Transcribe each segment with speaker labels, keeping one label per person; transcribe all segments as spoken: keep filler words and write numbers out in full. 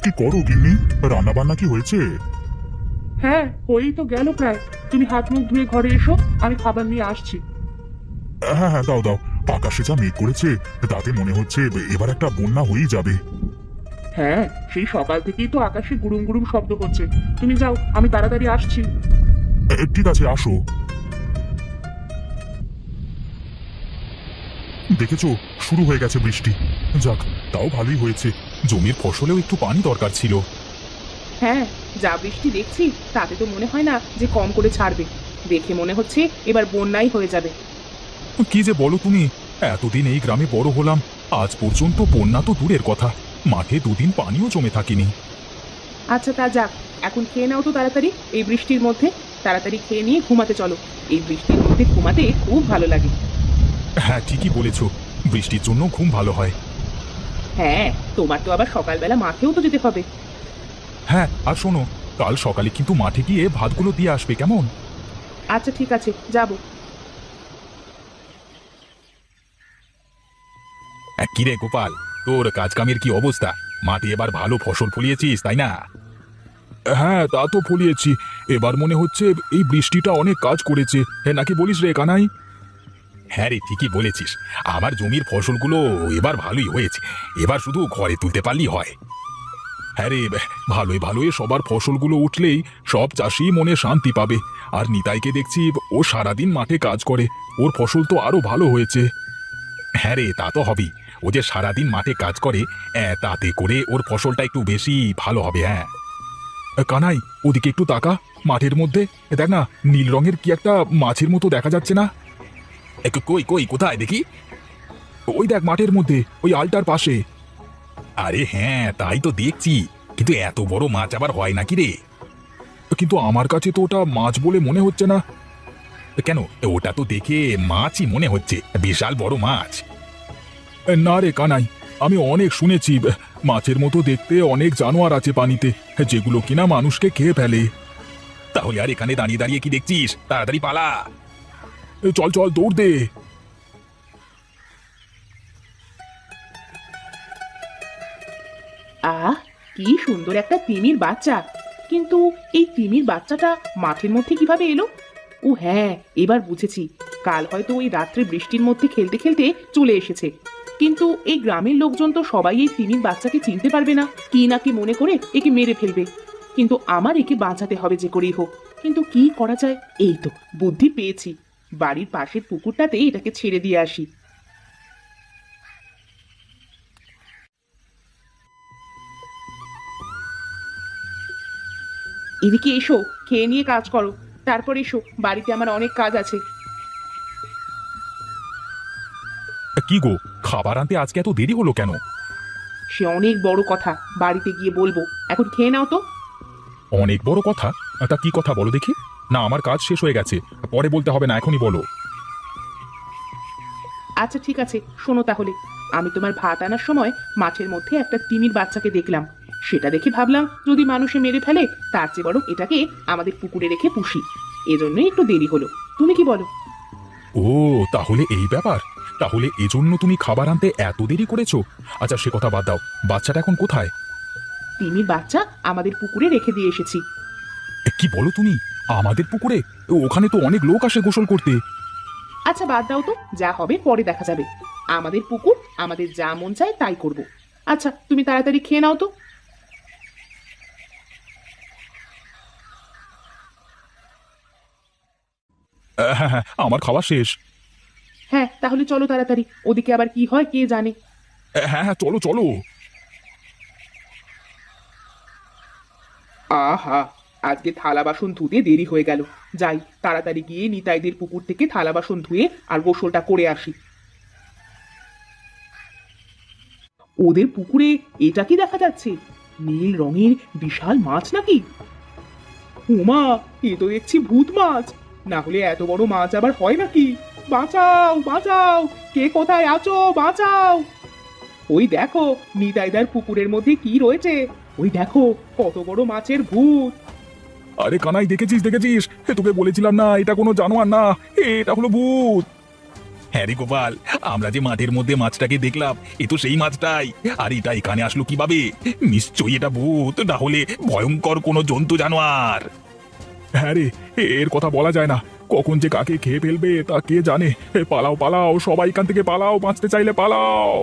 Speaker 1: কি করো গিন্নি? রান্না বান্না কি হয়েছে?
Speaker 2: হ্যাঁ, হয়েই তো গেল প্রায়। তুমি হাত মুখ ধুয়ে ঘরে এসো, আমি খাবার নিয়ে আসছি।
Speaker 1: হ্যাঁ হ্যাঁ, দাও দাও। আকাশে যা মেঘ করেছে, তাতে মনে হচ্ছে এবার একটা বন্যা হয়েই যাবে।
Speaker 2: হ্যাঁ, সেই সকাল থেকেই তো আকাশে গুড়ুম গুড়ুম শব্দ হচ্ছে। তুমি যাও, আমি তাড়াতাড়ি আসছি।
Speaker 1: এ, ঠিক আছে, আসো। দেখেছো, শুরু হয়ে গেছে বৃষ্টি। যাক, তাও ভালোই হয়েছে। জমির ফসলেও একটু পানি দরকার ছিল।
Speaker 3: হ্যাঁ, যা বৃষ্টি দেখছি তাতে তো মনে হয় না যে কম করে ছাড়বে। দেখে মনে হচ্ছে এবার বন্যাই হয়ে যাবে।
Speaker 1: কি যে বলো তুমি! এতদিন এই গ্রামে বড় হলাম, আজ পর্যন্ত বন্যা তো দূরের কথা, মাঠে দুদিন পানিও জমে থাকেনি।
Speaker 3: আচ্ছা তা যাক, এখন খেয়ে নাও তো তাড়াতাড়ি। এই বৃষ্টির মধ্যে তাড়াতাড়ি খেয়ে নিয়ে ঘুমাতে চলো। এই বৃষ্টির মধ্যে ঘুমাতে খুব ভালো লাগে।
Speaker 1: হ্যাঁ, ঠিকই বলেছো, বৃষ্টির জন্য ঘুম ভালো হয়।
Speaker 3: হ্যাঁ, তোমার তো আবার সকালবেলা মাঠেও তো যেতে হবে।
Speaker 1: হ্যাঁ, আর শোনো, কাল সকালে কিন্তু মাঠে গিয়ে ভাতগুলো দিয়ে আসবে, কেমন?
Speaker 3: আচ্ছা ঠিক আছে, যাবো।
Speaker 1: কিরে গোপাল, তোর কাজ কামের কি অবস্থা? মাঠে এবার ভালো ফসল ফলিয়েছিস, তাই না? হ্যাঁ, তা তো ফলিয়েছি। এবার মনে হচ্ছে এই বৃষ্টিটা অনেক কাজ করেছে, হ্যাঁ নাকি বলিস রে কানাই? হ্যাঁ রে, ঠিকই বলেছিস। আমার জমির ফসলগুলো এবার ভালোই হয়েছে, এবার শুধু ঘরে তুলতে পারলেই হয়। হ্যাঁ রে, ভালোই ভালোই সবার ফসলগুলো উঠলেই সব চাষি মনে শান্তি পাবে। আর নিতাইকে দেখছি, ও সারাদিন মাঠে কাজ করে, ওর ফসল তো আরো ভালো হয়েছে। হ্যাঁ রে, তা তো হবেই। ও যে সারাদিন মাঠে কাজ করে, আহ, তাতে করে ওর ফসলটা একটু বেশি ভালো হবে। হ্যাঁ কানাই, ওদিকে একটু তাকা। মাঠের মধ্যে দেখ না, নীল রঙের কি একটা মাছের মতো দেখা যাচ্ছে না? কই কই, কোথায় দেখি? ওই দেখ, মাঠের মধ্যে, ওই আলটার পাশে। আরে হ্যাঁ, তাই তো দেখছি, কিন্তু এত বড় মাছ আবার হয় নাকি রে? কিন্তু আমার কাছে তো ওটা মাছ বলে মনে হচ্ছে না। কেন, ওটা তো দেখে মাছই মনে হচ্ছে, বিশাল বড় মাছ। না রে কানাই, আমি অনেক শুনেছি মাছের মতো দেখতে অনেক জানোয়ার আছে পানিতে, যেগুলো কিনা মানুষকে খেয়ে ফেলে। তাহলে আর এখানে দাঁড়িয়ে দাঁড়িয়ে কি দেখছিস? তাড়াতাড়ি পালা! চল চল, দৌড় দে।
Speaker 3: আহ, কি সুন্দর একটা তিমির বাচ্চা। কিন্তু এই তিমির বাচ্চাটা মাঠের মধ্যে কিভাবে এলো? ও হ্যাঁ, এবার বুঝেছি। কাল হয়তো ওই রাত্রে বৃষ্টির মধ্যে খেলতে খেলতে চলে এসেছে। কিন্তু এই গ্রামের লোকজন তো সবাই এই তিমির বাচ্চাকে চিনতে পারবে না, কি না কি মনে করে একে মেরে ফেলবে। কিন্তু আমার একে বাঁচাতে হবে যে করেই হোক। কিন্তু কি করা যায়? এই তো বুদ্ধি পেয়েছি। বাড়ির পাশের পুকুরটাতে এটাকে ছেড়ে দিয়ে আসি। এদিকে এসো, খেয়ে নিয়ে কাজ করো। তারপর এসো, বাড়িতে আমার অনেক কাজ আছে।
Speaker 1: কি গো, খাবার আনতে আজকে এত দেরি হলো কেন?
Speaker 3: সে অনেক বড় কথা, বাড়িতে গিয়ে বলবো। এখন খেয়ে নাও তো।
Speaker 1: অনেক বড় কথা? তা কি কথা বলো দেখি। না, আমার কাজ শেষ হয়ে গেছে, পরে বলতে হবে না, এখনই বলো।
Speaker 3: আচ্ছা ঠিক আছে, শোনো তাহলে। আমি তোমার ভাত আনার সময় মাঠের মধ্যে একটা তিমির বাচ্চাকে দেখলাম। সেটা দেখে ভাবলাম যদি মানুষে মেরে ফেলে, তার চেয়ে বরং এটাকে আমাদের পুকুরে রেখে পুষি। এজন্যই একটু দেরি হলো। তুমি কি বলো?
Speaker 1: ও, তাহলে এই ব্যাপার। তাহলে এজন্য তুমি খাবার আনতে এত দেরি করেছো? আচ্ছা, সে কথা বাদ দাও, বাচ্চাটা এখন কোথায়?
Speaker 3: তিমির বাচ্চা আমাদের পুকুরে রেখে দিয়ে এসেছি।
Speaker 1: এ, কি বলো তুমি? আমাদের পুকুরে? ওখানে তো অনেক লোক আসে গোসল করতে।
Speaker 3: আচ্ছা বাদ দাও তো, যা হবে পরে দেখা যাবে। আমাদের পুকুর, আমাদের যা মন চায় তাই করব। আচ্ছা তুমি তাড়াতাড়ি খেয়ে নাও তো।
Speaker 1: আহ, হ্যাঁ হ্যাঁ, আমার খাওয়া শেষ।
Speaker 3: হ্যাঁ তাহলে চলো তাড়াতাড়ি, ওদিকে আবার কি হয় কে জানে।
Speaker 1: আহ, হ্যাঁ হ্যাঁ, চলো চলো।
Speaker 3: আহা, আজকে থালা বাসন ধুতে দেরি হয়ে গেল। যাই তাড়াতাড়ি গিয়ে নিতাইদের পুকুর থেকে থালা বাসন ধুয়ে আর গোসলটা করে আসি। ওদের পুকুরে এটা কি দেখা যাচ্ছে? নীল রঙের বিশাল মাছ নাকি? উমা, এ তো দেখছি ভূত মাছ। না হলে এত বড় মাছ আবার হয় নাকি? বাঁচাও বাঁচাও, কে কোথায় আছো, বাঁচাও! ওই দেখো, নিতাইদার পুকুরের মধ্যে কি রয়েছে। ওই দেখো, কত বড় মাছের ভূত।
Speaker 1: আরে কানাই, দেখেছিস দেখেছিস? এ, তোকে বলেছিলাম না এটা কোনো জানোয়ার না, এটা হলো ভূত। হ্যাঁ রে গোপাল, আমরা যে মাঠের মধ্যে মাছটাকে দেখলাম এ তো সেই মাছটাই। আর এটা এখানে আসলো কিভাবে? নিশ্চয়ই এটা ভূত, না হলে ভয়ঙ্কর কোনো জন্তু জানোয়ার। হ্যাঁ রে, এর কথা বলা যায় না, কখন যে কাকে খেয়ে ফেলবে তা কে জানে। এ, পালাও পালাও, সবাই এখান থেকে পালাও, বাঁচতে চাইলে পালাও।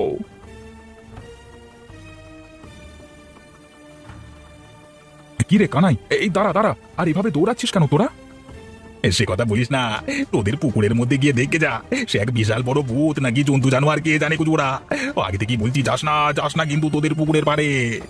Speaker 1: কি রে কানাই, এই দাঁড়া দাঁড়া, আর এভাবে দৌড়াচ্ছিস কেন তোরা? সে কথা বলিস না, তোদের পুকুরের মধ্যে গিয়ে দেখে যা, সে এক বিশাল বড় ভূত নাকি জন্তু জানোয়ার কে জানে কুচুরা। আগে থেকে বলছি যাস না যাস না কিন্তু তোদের পুকুরের পাড়ে।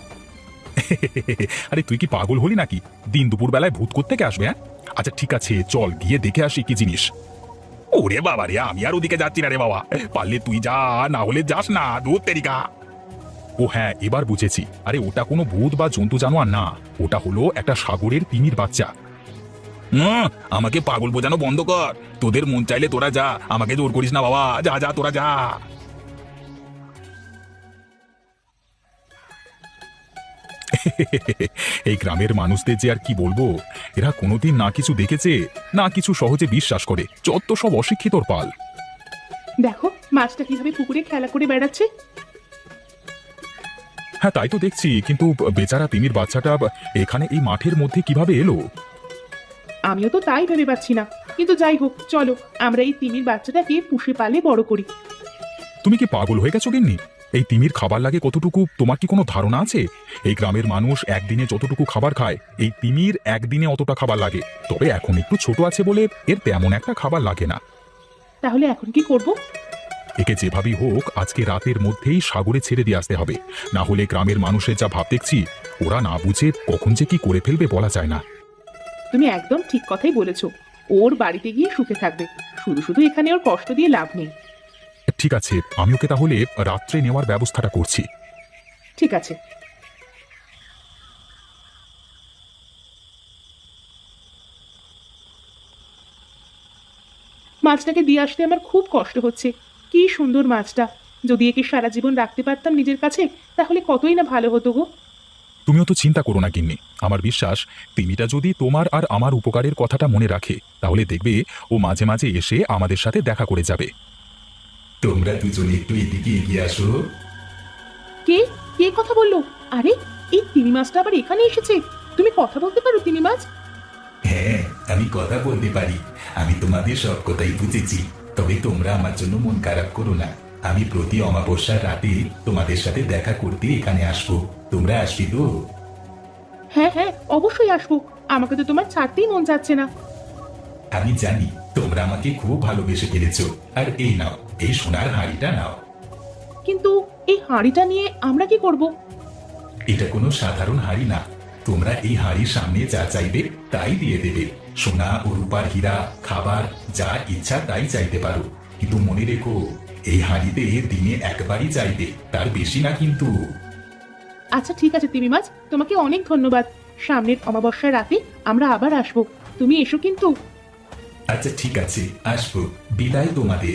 Speaker 1: আরে তুই কি পাগল হলি নাকি? দিন দুপুর বেলায় ভূত কোত্থেকে আসবে? হ্যাঁ, আচ্ছা ঠিক আছে, চল গিয়ে দেখে আসি কি জিনিস। ওরে বাবা রে, আমি আর ওদিকে যাচ্ছি না রে বাবা, পারলে তুই যা, না হলে যাস না, দূর তেরিকা। ও হ্যাঁ, এবার বুঝেছি, আরে ওটা কোনো ভূত বা জন্তু জানোয়ার না, ওটা হলো একটা সাগরের তিমির বাচ্চা। হুম, আমাকে পাগল বোঝানো বন্ধ কর, তোদের মন চাইলে তোরা যা, আমাকে জোর করিস না বাবা, যা যা তোরা যা। এই গ্রামের মানুষদের যে আর কি বলবো, এরা কোনোদিন না কিছু দেখেছে, না কিছু সহজে বিশ্বাস করে, যত সব অশিক্ষিতর পাল।
Speaker 3: দেখো মাছটা কিভাবে পুকুরে খেলা করে বেড়াচ্ছে।
Speaker 1: হ্যাঁ তাই তো দেখছি, কিন্তু বেচারা তিমির বাচ্চাটা এখানে এই মাঠের মধ্যে কিভাবে এলো?
Speaker 3: আমিও তো তাই ভেবে পাচ্ছি না, কিন্তু যাই হোক, চলো আমরা এই তিমির বাচ্চাটাকে পুষে পালে বড় করি।
Speaker 1: তুমি কি পাগল হয়ে গেছো গিন্নি? এই তিমির খাবার লাগে কতটুকু তোমার কি কোনো ধারণা আছে? এই গ্রামের মানুষ একদিনে যতটুকু খাবার খায়, এই তিমির একদিনে অতটা খাবার লাগে। তবে এখন একটু ছোট আছে বলে এর তেমন একটা খাবার লাগে না।
Speaker 3: তাহলে এখন কি করব?
Speaker 1: একে যেভাবেই হোক আজকে রাতের মধ্যেই সাগরে ছেড়ে দিয়ে আসতে হবে, না হলে গ্রামের মানুষের যা ভাব দেখছি, ওরা না বুঝে কখন যে কি করে ফেলবে বলা যায় না।
Speaker 3: তুমি একদম ঠিক কথাই বলেছো, ওর বাড়িতে গিয়ে সুখে থাকবে, শুধু শুধু এখানে ওর কষ্ট দিয়ে লাভ নেই।
Speaker 1: ঠিক আছে, আমি ওকে তাহলে রাত্রে নেওয়ার ব্যবস্থাটা করছি।
Speaker 3: ঠিক আছে। মাছটাকে দিয়ে আসতে আমার খুব কষ্ট হচ্ছে। কি সুন্দর মাছটা, যদি একে সারা জীবন রাখতে পারতাম নিজের কাছে, তাহলে কতই না ভালো হতো গো।
Speaker 1: তুমিও তো চিন্তা করো না গিন্নি, আমার বিশ্বাস তিমিটা যদি তোমার আর আমার উপকারের কথাটা মনে রাখে, তাহলে দেখবে ও মাঝে মাঝে এসে আমাদের সাথে দেখা করে যাবে। তোমরা দুজনে একটু এদিকে এগিয়ে আসো।
Speaker 3: কে কে কথা বললো? আরে এই তিমি মাছটা আবার এখানে এসেছে। তুমি কথা বলতে পারো তিমি মাছ?
Speaker 4: হ্যাঁ, আমি কথা বলতে পারি। আমি তোমাদের সব কথাই বুঝেছি, তবে তোমরা আমার জন্য মন খারাপ করো না। আমি প্রতি অমাবস্যার রাতে তোমাদের সাথে দেখা করতে এখানে আসবো। তোমরা আসবি তো?
Speaker 3: হ্যাঁ হ্যাঁ, অবশ্যই আসবো। আমাকে তো তোমার ছাড়তেই মন যাচ্ছে না।
Speaker 4: আমি জানি তোমরা আমাকে খুব ভালোবেসে ফেলেছো। আর এই নাও, এই সোনার হাঁড়িটা নাও।
Speaker 3: কিন্তু এই হাঁড়িটা নিয়ে আমরা কি করব?
Speaker 4: এটা কোনো সাধারণ হাঁড়ি না। তোমরা এই হাঁড়ির সামনে যা চাইবে তাই দিয়ে দেবে। সোনা ও রূপার হীরা, খাবার, যা ইচ্ছা তাই চাইতে পারো। কিন্তু মনে রেখো, এই হাঁড়িতে দিনে একবারই চাইবে, তার বেশি না কিন্তু।
Speaker 3: আচ্ছা ঠিক আছে তিমি মাছ, তোমাকে অনেক ধন্যবাদ। সামনের অমাবস্যার রাতে আমরা আবার আসবো, তুমি এসো কিন্তু।
Speaker 4: আচ্ছা ঠিক আছে, আসবো। বিদায় তোমাদের।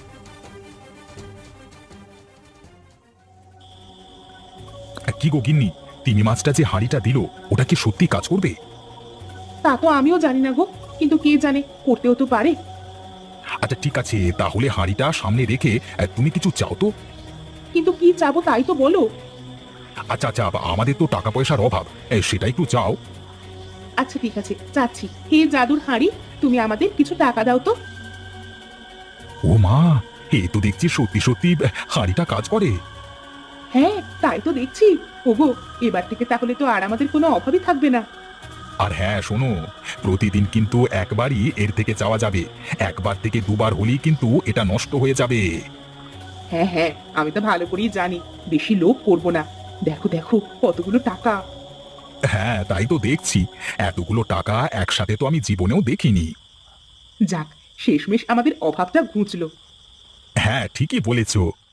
Speaker 1: কি গো গিন্নি, তিমি মাছটা যে হাঁড়িটা দিল, ওটা কি সত্যি কাজ করবে?
Speaker 3: তা তো আমিও জানি না গো, কিন্তু কে জানে, করতেও তো পারে।
Speaker 1: আচ্ছা ঠিক আছে, তাহলে হাঁড়িটা সামনে রেখে আহ, তুমি কিছু চাও তো।
Speaker 3: কিন্তু কি চাবো তাই তো বলো।
Speaker 1: আচ্ছা আচ্ছা, আমাদের তো টাকা পয়সার অভাব, এ, সেটা একটু চাও।
Speaker 3: আচ্ছা ঠিক আছে, চাচ্ছি। হে জাদুর হাঁড়ি, তুমি আমাদের কিছু টাকা দাও তো।
Speaker 1: ও মা, এ তো দেখছি সত্যি সত্যি আহ, হাঁড়িটা কাজ করে।
Speaker 3: হ্যাঁ তাই তো দেখছি। ওগো, এবার থেকে তাহলে তো আর আমাদের কোনো অভাবই থাকবে না।
Speaker 1: আর হ্যাঁ শোনো, প্রতিদিন কিন্তু একবারই এর থেকে চাওয়া যাবে, একবার থেকে দুবার হলেই কিন্তু এটা নষ্ট হয়ে যাবে।
Speaker 3: হ্যাঁ হ্যাঁ, আমি তো ভালো করেই জানি, বেশি লোভ করবো না। দেখো দেখো কতগুলো টাকা।
Speaker 1: হ্যাঁ তাই তো দেখছি, এতগুলো টাকা একসাথে তো আমি জীবনেও দেখিনি।
Speaker 3: যাক, শেষমেশ আমাদের অভাবটা ঘুচলো।
Speaker 1: হ্যাঁ ঠিকই বলেছো।